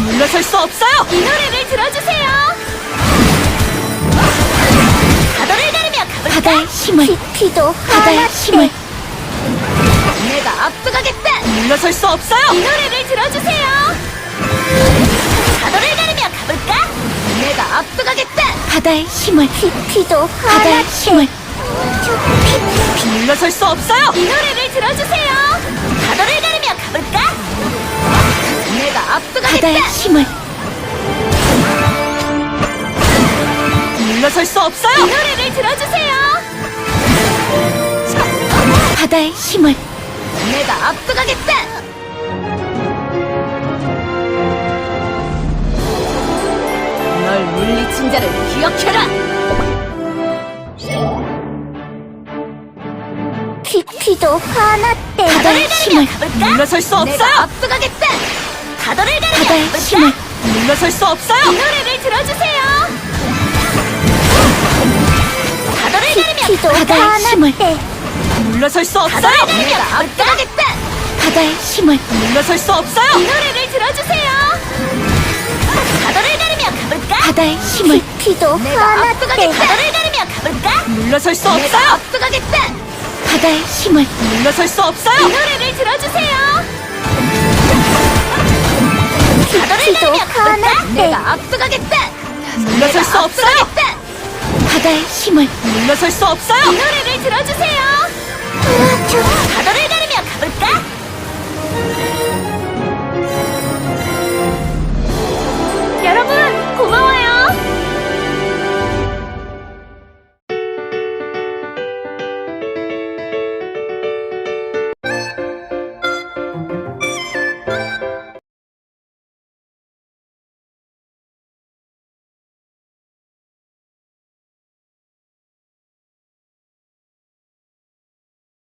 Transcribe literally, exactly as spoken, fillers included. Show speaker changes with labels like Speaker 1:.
Speaker 1: 물러설 수 없어요.
Speaker 2: 이 노래를 들어주세요. 파도를 가르며 가볼까?
Speaker 3: 바다의 힘을
Speaker 2: 깊이도
Speaker 3: 바다의 힘을
Speaker 2: 내가 앞서가겠다.
Speaker 1: 물러설 수 없어요.
Speaker 2: 이 노래를 들어주세요. 파도를 가르며 가볼까? 내가 앞서가겠다.
Speaker 3: 바다의 힘을
Speaker 2: 깊이도
Speaker 3: 바다의 힘을
Speaker 1: 물러설 수 없어요.
Speaker 2: 이 노래를 들어주세요. 파도를 가르며 가볼까? 내가 앞서가겠다.
Speaker 3: 바다의 힘을
Speaker 1: 물러설 수
Speaker 2: 이
Speaker 1: 없어요.
Speaker 2: 노래를 들어주세요.
Speaker 3: 바다의 힘을
Speaker 2: 내가 앞서가겠다. 널 물리친 자를 기억해라.
Speaker 3: 깊이도 하나 때
Speaker 2: 파도를
Speaker 3: 바다의
Speaker 2: 가르며
Speaker 3: 힘을
Speaker 2: 가볼까?
Speaker 1: 물러설 수
Speaker 2: 내가
Speaker 1: 없어요.
Speaker 2: 앞서가겠다. 파도를 가르며
Speaker 3: 바다의
Speaker 2: 가볼까?
Speaker 3: 힘을
Speaker 1: 물러설 수
Speaker 2: 이
Speaker 1: 없어요.
Speaker 2: 노래를 들어주세요. 파도를 가르며
Speaker 3: 깊이도
Speaker 2: 가볼까?
Speaker 3: 바다의 힘을
Speaker 1: 물러설 수
Speaker 2: 파도를
Speaker 1: 없어요.
Speaker 2: 가르며
Speaker 3: 네.
Speaker 2: 앞서가겠다.
Speaker 3: 바다의 힘을
Speaker 1: 물러설 수
Speaker 2: 이
Speaker 1: 없어요.
Speaker 2: 노래를 들어주세요. 파도를 가르며 가볼까?
Speaker 3: 바다의 힘을
Speaker 2: 깊이도
Speaker 3: 하나
Speaker 2: 앞서가겠다. 파도를 가르며 가볼까?
Speaker 1: 물러설 수
Speaker 2: 내가
Speaker 1: 없어요.
Speaker 2: 앞서가겠다.
Speaker 3: 바다의 힘을
Speaker 1: 물러설 수
Speaker 2: 이
Speaker 1: 없어요.
Speaker 2: 노래를 들어주세요. 파도를
Speaker 3: 깊이도
Speaker 2: 가르며 가볼까?
Speaker 3: 하나
Speaker 2: 내가 앞서가겠다.
Speaker 1: 물러설 수 없어요.
Speaker 2: 앞서가겠다.
Speaker 3: 바다의 힘을
Speaker 1: 물러설 수
Speaker 2: 이
Speaker 1: 없어요.
Speaker 2: 노래를 들어주세요.
Speaker 3: 저